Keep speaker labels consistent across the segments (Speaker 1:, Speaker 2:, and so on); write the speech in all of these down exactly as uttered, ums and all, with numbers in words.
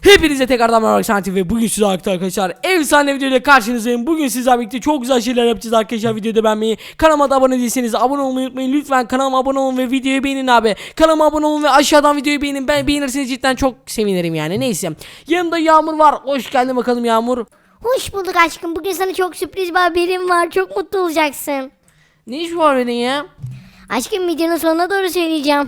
Speaker 1: Hepinize tekrardan merhaba arkadaşlar ve bugün sizlerle arkadaşlar efsane videoyla karşınızdayım. Bugün sizlerle birlikte çok güzel şeyler yapacağız arkadaşlar. Videoda beğenmeyi, kanalıma da abone değilseniz abone olmayı unutmayın. Lütfen kanalıma abone olun ve videoyu beğenin abi. Kanalıma abone olun ve aşağıdan videoyu beğenin. Ben beğenirseniz cidden çok sevinirim yani. Neyse. Yanımda Yağmur var. Hoş geldin bakalım Yağmur.
Speaker 2: Hoş bulduk aşkım. Bugün sana çok sürpriz bir haberim var. Çok mutlu olacaksın.
Speaker 1: Ne iş var benim ya?
Speaker 2: Aşkım videonun sonuna doğru söyleyeceğim.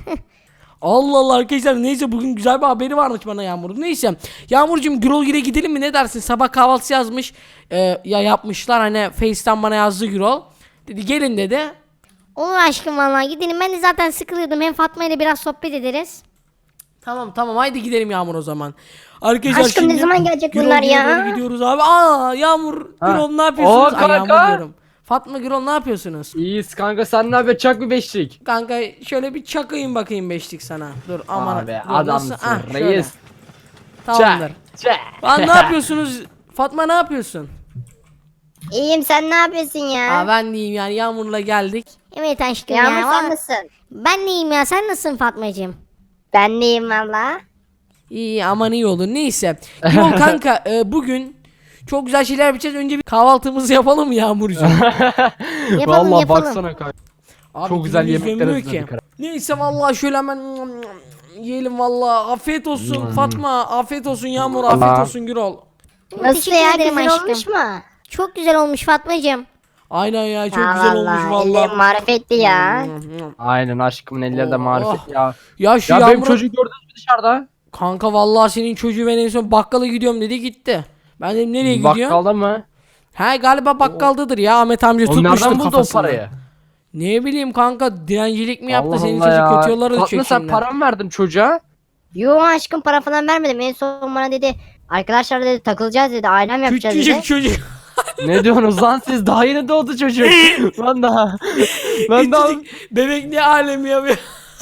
Speaker 1: Allah Allah arkadaşlar, neyse bugün güzel bir haberi varmış bana Yağmur'un. Neyse Yağmurcuğum, Gürol Gire gidelim mi, ne dersin? Sabah kahvaltısı yazmış, ee, ya yapmışlar hani, Face'ten bana yazdı Gürol. Dedi gelin dedi.
Speaker 2: Olur aşkım vallahi gidelim. Ben de zaten sıkılıyordum. Hem Fatma ile biraz sohbet ederiz.
Speaker 1: Tamam tamam, haydi gidelim Yağmur o zaman. Arkadaşlar
Speaker 2: Aşkım, ne
Speaker 1: şimdi
Speaker 2: zaman gelecek
Speaker 1: Gürol
Speaker 2: bunlar
Speaker 1: Gire'ye
Speaker 2: ya?
Speaker 1: doğru gidiyoruz abi. Aa Yağmur,
Speaker 3: Ha.
Speaker 1: Gürol ne yapıyorsunuz?
Speaker 3: Oo,
Speaker 1: Ay Yağmur
Speaker 3: kanka.
Speaker 1: diyorum. Fatma, Gürol ne yapıyorsunuz?
Speaker 3: İyiyiz kanka, sen ne haber? Çak bir beşlik.
Speaker 1: Kanka şöyle bir çakayım bakayım beşlik sana. Dur aman.
Speaker 3: Abi
Speaker 1: dur,
Speaker 3: adamsın
Speaker 1: nasıl? Ah, şöyle.
Speaker 3: reis.
Speaker 1: Tamamdır.
Speaker 3: Çak.
Speaker 1: Lan ne yapıyorsunuz? Fatma ne yapıyorsun?
Speaker 2: İyiyim, sen ne yapıyorsun ya?
Speaker 1: Aa, ben diyeyim yani, Yağmur'la geldik.
Speaker 2: Evet aşkım
Speaker 4: Yağmur
Speaker 2: ya.
Speaker 4: sen
Speaker 2: Valla-
Speaker 4: nasılsın?
Speaker 2: Ben neyim ya, sen nasılsın Fatmacığım?
Speaker 4: Ben deyim valla.
Speaker 1: İyi, aman iyi olur. Neyse. Yol kanka, e, bugün çok güzel şeyler yapacağız. Önce bir kahvaltımızı yapalım mı Yağmurcuğum?
Speaker 2: Yapalım,
Speaker 3: Vallahi
Speaker 2: yapalım.
Speaker 3: baksana kanka.
Speaker 1: Abi,
Speaker 3: Çok güzel
Speaker 1: dilimiz
Speaker 3: yemekler
Speaker 1: dönmüyor
Speaker 3: hazırladık.
Speaker 1: Neyse vallahi şöyle hemen yiyelim vallahi. Afiyet olsun Fatma. Afiyet olsun Yağmur. Afiyet
Speaker 3: Allah.
Speaker 1: olsun Gürol.
Speaker 4: Nasıl
Speaker 2: Teşekkür
Speaker 4: ya,
Speaker 2: ederim
Speaker 4: güzel
Speaker 2: aşkım.
Speaker 4: olmuş mu?
Speaker 2: Çok güzel olmuş Fatmacığım.
Speaker 1: Aynen ya, çok
Speaker 4: Ya
Speaker 1: güzel olmuş
Speaker 4: vallahi, ellerin
Speaker 1: vallahi.
Speaker 4: marifetli ya.
Speaker 3: Aynen, aşkımın elleri de
Speaker 1: Oh.
Speaker 3: marifet ya.
Speaker 1: Ya şu
Speaker 3: Ya benim
Speaker 1: Yağmur'un-
Speaker 3: çocuğu gördünüz mü dışarıda?
Speaker 1: Kanka vallahi senin çocuğu, ben en son bakkala gidiyorum dedi, gitti. Ben dedim nereye gidiyor?
Speaker 3: Bakkalda mı?
Speaker 1: He galiba bakkaldadır ya, Ahmet amca
Speaker 3: O
Speaker 1: tutmuştur
Speaker 3: nereden buldu o
Speaker 1: kafasına.
Speaker 3: parayı?
Speaker 1: Ne bileyim kanka, direncilik mi yaptı,
Speaker 3: Allah
Speaker 1: senin
Speaker 3: Allah
Speaker 1: çocuk
Speaker 3: ya.
Speaker 1: kötü yollara
Speaker 3: Fatma,
Speaker 1: düşecek
Speaker 3: sen
Speaker 1: şimdi.
Speaker 3: para mı verdin çocuğa?
Speaker 4: Yo aşkım, para falan vermedim. En son bana dedi arkadaşlar dedi takılacağız dedi. Ailem yapacağız dedi.
Speaker 1: Küçücük çocuk.
Speaker 3: Ne diyorsunuz lan siz? Daha yeni doğdu çocuk. Lan daha. Lan daha.
Speaker 1: Küçücük bebek ne alemi yapıyor.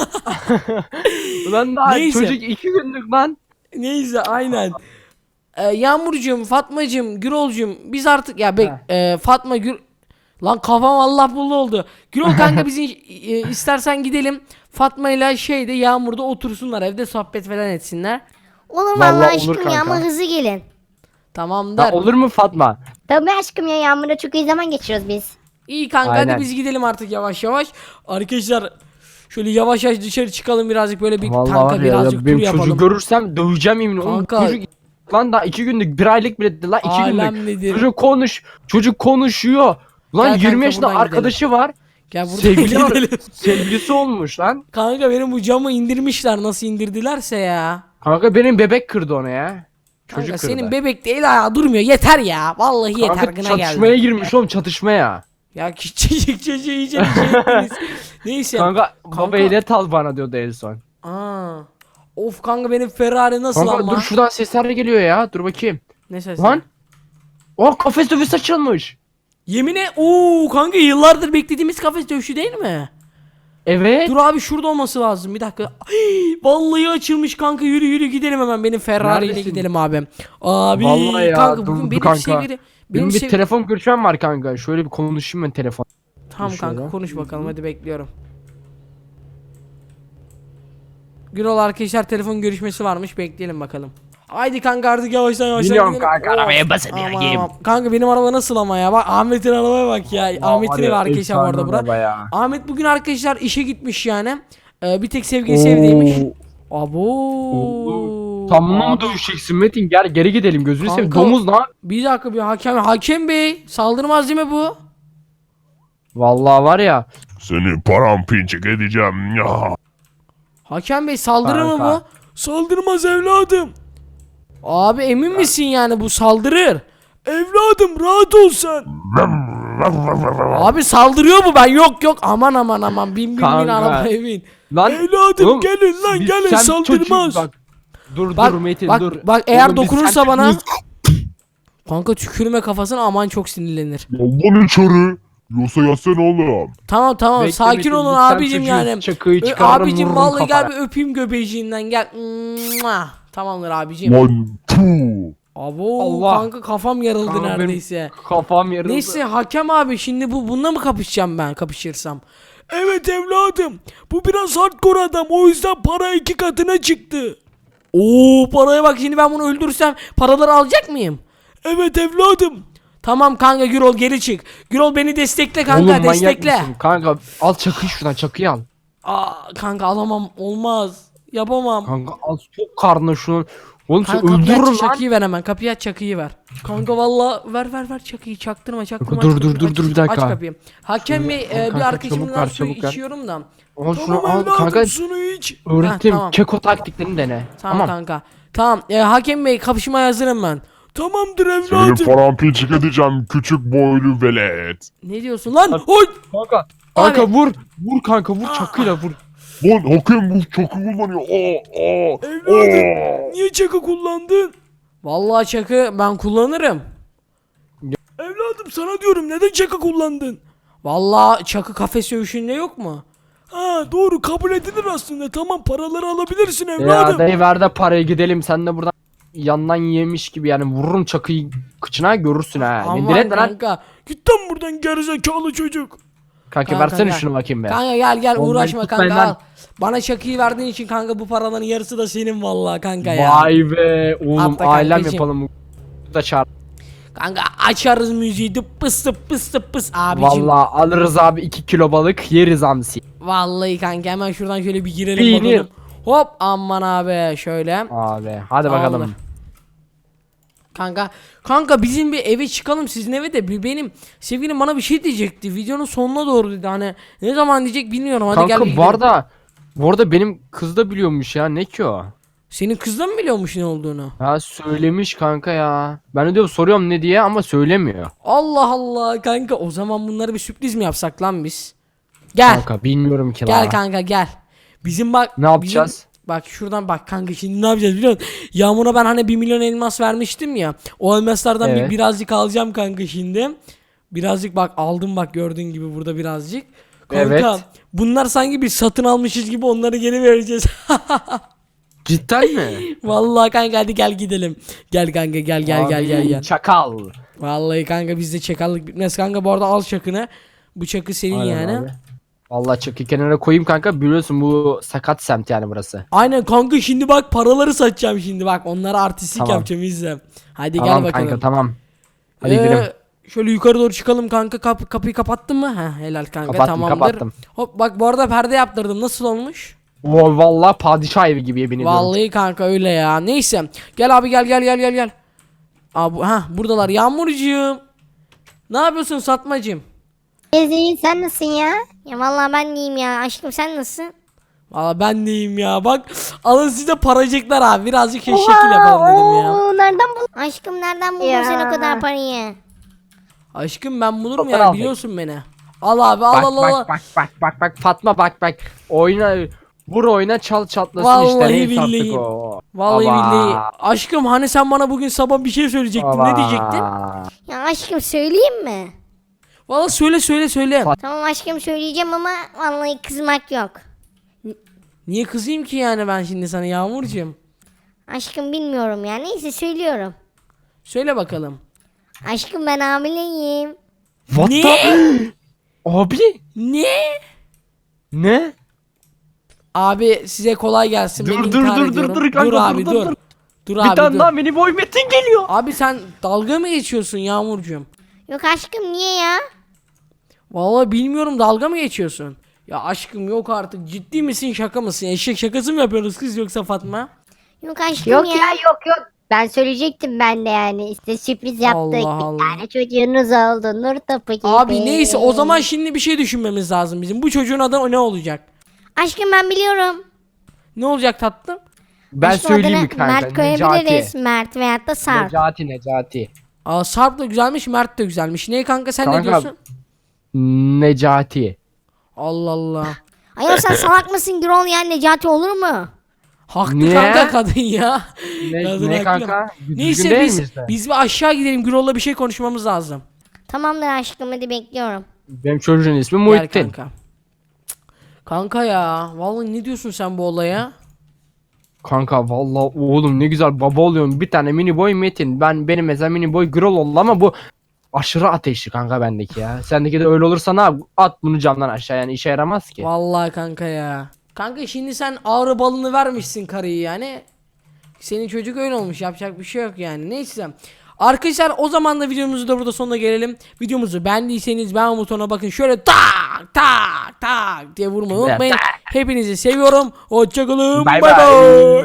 Speaker 3: Lan daha
Speaker 1: Neyse.
Speaker 3: çocuk iki günlük lan.
Speaker 1: Neyse aynen. Ee, Yağmurcuğum, Fatmacığım, Gürolcuğum, biz artık ya bek e, Fatma Gür lan kafam Allah buldu oldu. Gürol kanka biz e, istersen gidelim Fatma ile şeyde, Yağmur'da otursunlar, evde sohbet falan etsinler.
Speaker 2: Olur
Speaker 3: Vallahi
Speaker 2: vallahi
Speaker 3: olur
Speaker 2: aşkım ya, ama
Speaker 3: kanka.
Speaker 2: hızlı gelin.
Speaker 1: Tamamdır.
Speaker 3: Ya olur mu Fatma?
Speaker 4: Tabii aşkım ya, Yağmur'la çok iyi zaman geçiriyoruz biz.
Speaker 1: İyi kanka,
Speaker 3: Aynen.
Speaker 1: hadi biz gidelim artık yavaş yavaş. Arkadaşlar şöyle yavaş yavaş dışarı çıkalım, birazcık böyle bir
Speaker 3: Vallahi
Speaker 1: kanka
Speaker 3: var ya,
Speaker 1: birazcık
Speaker 3: ya
Speaker 1: tur
Speaker 3: benim
Speaker 1: yapalım.
Speaker 3: çocuğu görürsem döveceğim yemin. Oğlum
Speaker 1: Kanka.
Speaker 3: çocuk lan daha iki günlük, bir aylık bile değil lan, iki
Speaker 1: Alem
Speaker 3: günlük.
Speaker 1: nedir?
Speaker 3: Çocuk konuş, çocuk konuşuyor. Lan
Speaker 1: Gel kanka,
Speaker 3: yirmi yaşında
Speaker 1: buradan
Speaker 3: arkadaşı var.
Speaker 1: Gel buradan
Speaker 3: Sevgili var.
Speaker 1: gidelim.
Speaker 3: Sevgilisi olmuş lan.
Speaker 1: Kanka benim bu camı indirmişler, nasıl indirdilerse ya.
Speaker 3: Kanka benim bebek kırdı onu ya.
Speaker 1: Kanka
Speaker 3: Çocuk
Speaker 1: senin
Speaker 3: kırdı.
Speaker 1: bebek de el ayağı durmuyor, yeter ya. Vallahi yeter,
Speaker 3: Kanka
Speaker 1: gına
Speaker 3: çatışmaya
Speaker 1: geldi.
Speaker 3: girmiş oğlum, çatışmaya.
Speaker 1: Ya küçücük çocuğu iyice bir şey ettiniz. Neyse.
Speaker 3: Kanka,
Speaker 1: Kanka.
Speaker 3: baba ehliyet al bana diyordu en son.
Speaker 1: Aa. Of kanka, benim Ferrari nasıl
Speaker 3: Kanka
Speaker 1: ama?
Speaker 3: dur, şuradan sesler geliyor ya, dur bakayım.
Speaker 1: Ne sesi?
Speaker 3: Lan. Oh, kafes dövüş açılmış.
Speaker 1: Yemine ooo kanka, yıllardır beklediğimiz kafes dövüşü değil mi?
Speaker 3: Evet.
Speaker 1: Dur abi, şurada olması lazım, bir dakika. Ay, vallahi açılmış kanka, yürü yürü gidelim hemen, benim Ferrari ile
Speaker 3: Neredesin?
Speaker 1: gidelim abi. Abi
Speaker 3: Vallahi ya,
Speaker 1: kanka
Speaker 3: dur,
Speaker 1: bugün
Speaker 3: dur
Speaker 1: benim
Speaker 3: kanka.
Speaker 1: sevgili
Speaker 3: Benim
Speaker 1: benim
Speaker 3: bir
Speaker 1: sev-
Speaker 3: telefon görüşmem var kanka. Şöyle bir konuşayım ben telefon.
Speaker 1: Tamam
Speaker 3: Dur
Speaker 1: kanka,
Speaker 3: şöyle.
Speaker 1: konuş bakalım, hadi bekliyorum. Gürol arkadaşlar, telefon görüşmesi varmış, bekleyelim bakalım. Haydi kanka, artık yavaştan yavaştan
Speaker 3: Biliyorum
Speaker 1: gidelim.
Speaker 3: kanka,
Speaker 1: Of,
Speaker 3: arabaya basın
Speaker 1: aman,
Speaker 3: ya, yiyeyim.
Speaker 1: aman. Kanka benim araba nasıl ama ya, bak Ahmet'in arabaya bak ya. Ahmet'in evi arkadaşlar bu arada bura. Ahmet bugün arkadaşlar işe gitmiş yani. Ee, bir tek sevgilisi evdeymiş. Abo.
Speaker 3: Tamam mı dövüşeceksin Metin? Gel geri gidelim, gözünü seveyim.
Speaker 1: Kanka.
Speaker 3: Domuz lan.
Speaker 1: Bir dakika, bir hakem hakem bey saldırmaz değil mi bu?
Speaker 3: Vallahi var ya.
Speaker 5: Seni paramparçık edeceğim ya.
Speaker 1: Hakem bey saldırır mı bu?
Speaker 3: Kanka.
Speaker 1: Saldırmaz evladım. Abi emin misin yani bu saldırır? Evladım rahat ol sen. Abi saldırıyor mu, ben yok yok, aman aman aman, bin bin bin
Speaker 3: Kanka.
Speaker 1: arabaya bin.
Speaker 3: Lan.
Speaker 1: Evladım
Speaker 3: oğlum,
Speaker 1: gelin lan
Speaker 3: biz-
Speaker 1: gelin,
Speaker 3: sen
Speaker 1: saldırmaz.
Speaker 3: çocuk- Bak. Dur
Speaker 1: Bak,
Speaker 3: dur Metin
Speaker 1: bak,
Speaker 3: dur.
Speaker 1: bak eğer
Speaker 3: Oğlum, biz
Speaker 1: dokunursa
Speaker 3: sen
Speaker 1: bana
Speaker 3: çocuğuz.
Speaker 1: kanka tükürme kafasına, aman çok sinirlenir.
Speaker 5: Yoldan içeri. Yoksa yatsana oğlum.
Speaker 1: Tamam tamam,
Speaker 3: Bekle
Speaker 1: sakin
Speaker 3: Metin,
Speaker 1: olun
Speaker 3: biz sen
Speaker 1: abicim
Speaker 3: çocuğuz.
Speaker 1: yani.
Speaker 3: Çakıyı
Speaker 1: Ö,
Speaker 3: çıkarırım,
Speaker 1: abicim
Speaker 3: vururum
Speaker 1: vallahi gel
Speaker 3: kafana.
Speaker 1: bir öpeyim göbeğinden gel. Mua. Tamamdır abicim.
Speaker 5: Lan puh.
Speaker 1: Abo
Speaker 3: Allah.
Speaker 1: kanka, kafam yarıldı
Speaker 3: Kanka benim
Speaker 1: neredeyse.
Speaker 3: Kafam yarıldı.
Speaker 1: Neyse hakem abi, şimdi bu bununla mı kapışacağım ben, kapışırsam? Evet evladım, bu biraz hardcore adam, o yüzden para iki katına çıktı. Oo, paraya bak, şimdi ben bunu öldürsem paraları alacak mıyım? Evet evladım. Tamam kanka, Gürol geri çık. Gürol beni destekle kanka,
Speaker 3: Oğlum manyak
Speaker 1: destekle.
Speaker 3: mısın? Kanka al çakıyı şuradan, çakıyı al.
Speaker 1: Aa, kanka alamam, olmaz. Yapamam.
Speaker 3: Kanka al, çok karnına şunu. Oğlum sen
Speaker 1: Kanka kapıyı
Speaker 3: öldürürüm
Speaker 1: aç,
Speaker 3: lan.
Speaker 1: çakıyı ver hemen. Kapıyı aç, çakıyı ver. Kanka valla ver ver ver çakıyı, çaktırma çaktırma.
Speaker 3: Dur,
Speaker 1: aç
Speaker 3: dur,
Speaker 1: kapıyı,
Speaker 3: dur,
Speaker 1: aç-
Speaker 3: dur, bir dakika.
Speaker 1: Aç kapıyı. Hakem Bey, e, bir
Speaker 3: Kanka,
Speaker 1: arkadaşımdan
Speaker 3: çabuk ver,
Speaker 1: su
Speaker 3: çabuk ver.
Speaker 1: içiyorum da.
Speaker 3: Al şunu al kanka.
Speaker 1: Şunu iç.
Speaker 3: Öğrettim.
Speaker 1: Ha, tamam.
Speaker 3: Keko taktiklerini dene.
Speaker 1: Tamam,
Speaker 3: Tamam.
Speaker 1: kanka. Tamam, e, Hakem Bey kapışmaya hazırım ben. Tamamdır
Speaker 5: Seni paramparçık edeceğim küçük boylu velet.
Speaker 1: Ne diyorsun lan? Oy!
Speaker 3: Kanka. Kanka
Speaker 1: Abi.
Speaker 3: vur. Vur kanka, vur çakıyla vur.
Speaker 5: Lan hakem bu çakı kullanıyor. Aa, aa, aa.
Speaker 1: Niye çakı kullandın? Vallahi çakı ben kullanırım. Evladım sana diyorum, neden çakı kullandın? Vallahi çakı kafes dövüşünde yok mu? Ha doğru, kabul edilir aslında. Tamam, paraları alabilirsin
Speaker 3: Ya dayı ver de parayı, gidelim. Sen de buradan yandan yemiş gibi yani, vururum çakıyı kıçına, görürsün ha. Ne
Speaker 1: Aman
Speaker 3: diretme lan.
Speaker 1: kanka. Git lan buradan gerizekalı çocuk.
Speaker 3: Kanka,
Speaker 1: Kanka,
Speaker 3: versene
Speaker 1: gel.
Speaker 3: şunu bakayım be.
Speaker 1: Kanka gel gel,
Speaker 3: Onları
Speaker 1: uğraşma
Speaker 3: tut
Speaker 1: kanka,
Speaker 3: benden.
Speaker 1: al. Bana çakıyı verdiğin için kanka bu paraların yarısı da senin vallahi kanka ya.
Speaker 3: Vay be oğlum,
Speaker 1: Atla
Speaker 3: ailem
Speaker 1: kankacığım.
Speaker 3: yapalım. Bu da çağır.
Speaker 1: Kanka açarız müziği, dıp pıs dıp pıs dıp pıs abicim.
Speaker 3: Vallahi alırız abi, iki kilo balık yeriz hamsi.
Speaker 1: Vallahi kanka hemen şuradan şöyle bir girelim
Speaker 3: Binir.
Speaker 1: bakalım. Hop aman abi şöyle.
Speaker 3: Abi hadi
Speaker 1: Tamamdır.
Speaker 3: bakalım.
Speaker 1: Kanka kanka bizim bir eve çıkalım, sizin eve de. Bir benim sevgilim bana bir şey diyecekti. Videonun sonuna doğru dedi, hani ne zaman diyecek bilmiyorum. Hadi gel
Speaker 3: Kanka
Speaker 1: bir
Speaker 3: bu
Speaker 1: gidelim.
Speaker 3: arada bu arada benim kız da biliyormuş ya, ne ki o?
Speaker 1: Senin kız da mı biliyormuş ne olduğunu?
Speaker 3: Ha söylemiş kanka ya. Ben de diyorum, soruyorum ne diye ama söylemiyor.
Speaker 1: Allah Allah kanka, o zaman bunları bir sürpriz mi yapsak lan biz? Gel.
Speaker 3: Kanka bilmiyorum ki
Speaker 1: Gel
Speaker 3: la.
Speaker 1: kanka gel. Bizim bak.
Speaker 3: Ne yapacağız?
Speaker 1: bizim- bak şuradan bak kanka, şimdi ne yapacağız biliyor musun? Yağmur'a ben hani bir milyon elmas vermiştim ya. O elmaslardan bir
Speaker 3: Evet.
Speaker 1: birazcık alacağım kanka şimdi. Birazcık bak aldım, bak gördüğün gibi burada birazcık. Kanka
Speaker 3: Evet.
Speaker 1: bunlar sanki bir satın almışız gibi onları geri vereceğiz.
Speaker 3: Cidden mi?
Speaker 1: Vallahi kanka hadi gel gidelim. Gel kanka gel gel gel gel gel.
Speaker 3: Çakal.
Speaker 1: Vallahi kanka bizde çakallık bitmez kanka, bu arada al çakını. Bu çakı senin
Speaker 3: Aynen
Speaker 1: yani.
Speaker 3: abi. Vallahi çakı kenara koyayım kanka, biliyorsun bu sakat semt yani burası.
Speaker 1: Aynen kanka, şimdi bak paraları satacağım şimdi, bak onlara artistlik
Speaker 3: Tamam.
Speaker 1: yapacağım, izle. Hadi
Speaker 3: Tamam
Speaker 1: gel bakalım.
Speaker 3: kanka, tamam. Hadi
Speaker 1: Ee,
Speaker 3: gidelim.
Speaker 1: Şöyle yukarı doğru çıkalım kanka. Kap kapıyı kapattın mı? Ha helal kanka,
Speaker 3: Kapattım,
Speaker 1: tamamdır.
Speaker 3: kapattım.
Speaker 1: Hop bak bu arada perde yaptırdım, nasıl olmuş?
Speaker 3: Oo, vallahi padişah evi gibi, yemin ediyorum.
Speaker 1: Vallahi kanka öyle ya. Neyse. Gel abi gel gel gel gel gel. Abi ha buradalar. Yağmurcuğum. Ne yapıyorsun Satmacığım?
Speaker 4: Ezgi sen nasılsın ya?
Speaker 2: Ya vallahi ben diyeyim ya. Aşkım sen nasılsın?
Speaker 1: Valla ben deyim ya. Bak alın size paracıklar abi. Birazcık şekil yapalım dedim ya.
Speaker 4: Oo, nereden buldun?
Speaker 2: Aşkım nereden buldun
Speaker 4: Ya.
Speaker 2: sen o kadar parayı?
Speaker 1: Aşkım ben bulurum
Speaker 3: Fotoğraf
Speaker 1: ya,
Speaker 3: al.
Speaker 1: biliyorsun beni. Al abi al
Speaker 3: Bak
Speaker 1: al al.
Speaker 3: bak bak bak bak bak Fatma, bak bak. Oyna, vur oyna, çal çatlasın
Speaker 1: Vallahi
Speaker 3: işte. Neyse artık
Speaker 1: billahi.
Speaker 3: o.
Speaker 1: Vallahi
Speaker 3: Baba.
Speaker 1: billahi. Aşkım hani sen bana bugün sabah bir şey söyleyecektin.
Speaker 3: Baba.
Speaker 1: Ne diyecektin?
Speaker 2: Ya aşkım söyleyeyim mi?
Speaker 1: Valla söyle söyle söyle.
Speaker 2: Tamam aşkım söyleyeceğim ama vallahi kızmak yok.
Speaker 1: Niye kızayım ki yani ben şimdi sana Yağmurcuğum?
Speaker 2: Aşkım bilmiyorum ya. Neyse söylüyorum.
Speaker 1: Söyle bakalım.
Speaker 2: Aşkım ben hamileyim.
Speaker 3: What
Speaker 1: Ne?
Speaker 3: the- Abi
Speaker 1: Ne?
Speaker 3: ne?
Speaker 1: Abi size kolay gelsin.
Speaker 3: Dur,
Speaker 1: Ben
Speaker 3: dur,
Speaker 1: intihar
Speaker 3: dur, dur,
Speaker 1: ediyorum.
Speaker 3: dur kanka, dur,
Speaker 1: abi
Speaker 3: dur,
Speaker 1: dur.
Speaker 3: dur.
Speaker 1: Dur
Speaker 3: Bir
Speaker 1: abi
Speaker 3: tane
Speaker 1: dur.
Speaker 3: daha mini boy metin geliyor.
Speaker 1: Abi sen dalga mı geçiyorsun Yağmurcuğum?
Speaker 2: Yok aşkım niye ya?
Speaker 1: Vallahi bilmiyorum, dalga mı geçiyorsun? Ya aşkım yok artık, ciddi misin şaka mısın? Eşek şakası mı yapıyoruz kız yoksa Fatma?
Speaker 2: Yok aşkım
Speaker 4: Yok
Speaker 2: ya.
Speaker 4: ya, yok yok. Ben söyleyecektim ben de yani. İşte sürpriz yaptık.
Speaker 1: Allah
Speaker 4: bir
Speaker 1: Allah.
Speaker 4: tane çocuğunuz oldu. Nur topu gibi.
Speaker 1: Abi neyse o zaman şimdi bir şey düşünmemiz lazım bizim. Bu çocuğun adı ne olacak?
Speaker 2: Aşkım ben biliyorum.
Speaker 1: Ne olacak tatlım?
Speaker 3: Ben
Speaker 2: Aşkım
Speaker 3: söyleyeyim
Speaker 2: adını
Speaker 3: mi kanka?
Speaker 2: Mert koyabiliriz. Mert veyahut da Sarp.
Speaker 3: Necati, Necati.
Speaker 1: Aa Sarp da güzelmiş, Mert de güzelmiş. Ne kanka sen ne
Speaker 3: Kanka-
Speaker 1: diyorsun?
Speaker 3: Necati.
Speaker 1: Allah Allah.
Speaker 2: Ayol sen salak mısın Gürol ya, Necati olur mu?
Speaker 1: Haklı
Speaker 3: Niye?
Speaker 1: kanka kadın ya.
Speaker 3: Ne,
Speaker 1: Kadın
Speaker 3: ne
Speaker 1: haklı.
Speaker 3: kanka? Düzgün
Speaker 1: Neyse
Speaker 3: değil
Speaker 1: biz
Speaker 3: mi işte?
Speaker 1: biz bir aşağı gidelim, Gürol'la bir şey konuşmamız lazım.
Speaker 2: Tamamdır aşkım hadi bekliyorum.
Speaker 3: Benim çocuğun ismi
Speaker 1: Gel
Speaker 3: Muhittin.
Speaker 1: kanka. Cık. Kanka ya vallahi ne diyorsun sen bu olaya?
Speaker 3: Kanka vallahi oğlum ne güzel baba oluyorum. Bir tane mini boy Metin. Ben benim mesela mini boy Grol oldu ama bu aşırı ateşli kanka bendeki ya. Sendeki de öyle olursa ne yap? At bunu camdan aşağı, yani işe yaramaz ki.
Speaker 1: Vallahi kanka ya. Kanka şimdi sen ağrı balını vermişsin karıyı yani. Senin çocuk öyle olmuş, yapacak bir şey yok yani. Neyse. Arkadaşlar o zaman da videomuzu da burada sonuna gelelim. Videomuzu beğendiyseniz beğen butonuna bakın. Şöyle tak tak tak diye vurmayı unutmayın. Hepinizi seviyorum. Hoşçakalın.
Speaker 3: Bay
Speaker 1: Bay
Speaker 3: bay.
Speaker 1: bay.